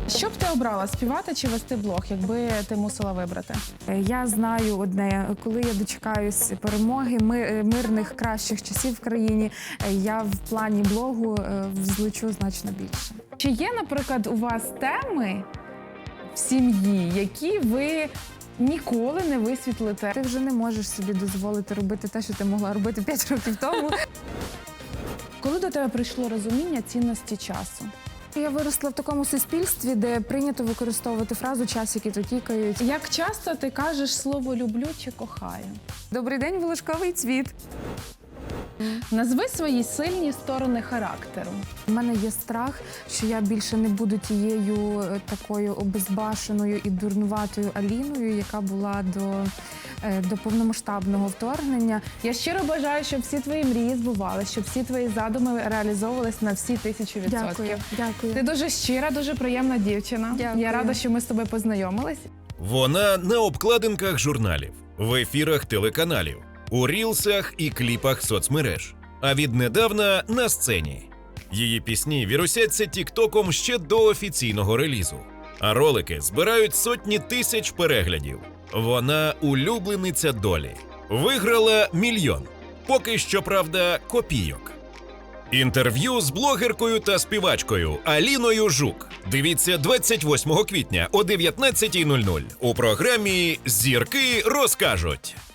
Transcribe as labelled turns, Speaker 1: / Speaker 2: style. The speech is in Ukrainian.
Speaker 1: Що б ти обрала, співати чи вести блог, якби ти мусила вибрати?
Speaker 2: Я знаю одне, коли я дочекаюсь перемоги, мирних, кращих часів в країні, я в плані блогу злечу значно більше.
Speaker 1: Чи є, наприклад, у вас теми в сім'ї, які ви ніколи не висвітлите?
Speaker 2: Ти вже не можеш собі дозволити робити те, що ти могла робити 5 років тому.
Speaker 1: Коли до тебе прийшло розуміння цінності часу?
Speaker 2: Я виросла в такому суспільстві, де прийнято використовувати фразу «час, який то тікають».
Speaker 1: Як часто ти кажеш слово «люблю» чи «кохаю»?
Speaker 2: Добрий день, волошковий цвіт.
Speaker 1: Назви свої сильні сторони характеру.
Speaker 2: У мене є страх, що я більше не буду тією такою обезбашеною і дурнуватою Аліною, яка була до повномасштабного вторгнення.
Speaker 1: Я щиро бажаю, щоб всі твої мрії збувалися, щоб всі твої задуми реалізовувались на всі 1000%.
Speaker 2: Дякую, дякую.
Speaker 1: Ти дуже щира, дуже приємна дівчина.
Speaker 2: Дякую.
Speaker 1: Я рада, що ми з тобою познайомились.
Speaker 3: Вона на обкладинках журналів, в ефірах телеканалів, у рілсах і кліпах соцмереж, а віднедавна на сцені. Її пісні вірусяться тіктоком ще до офіційного релізу, а ролики збирають сотні тисяч переглядів. Вона улюблениця долі. Виграла 1 мільйон. Поки що, правда, копійок. Інтерв'ю з блогеркою та співачкою Аліною Жук. Дивіться 28 квітня о 19:00 у програмі «Зірки розкажуть».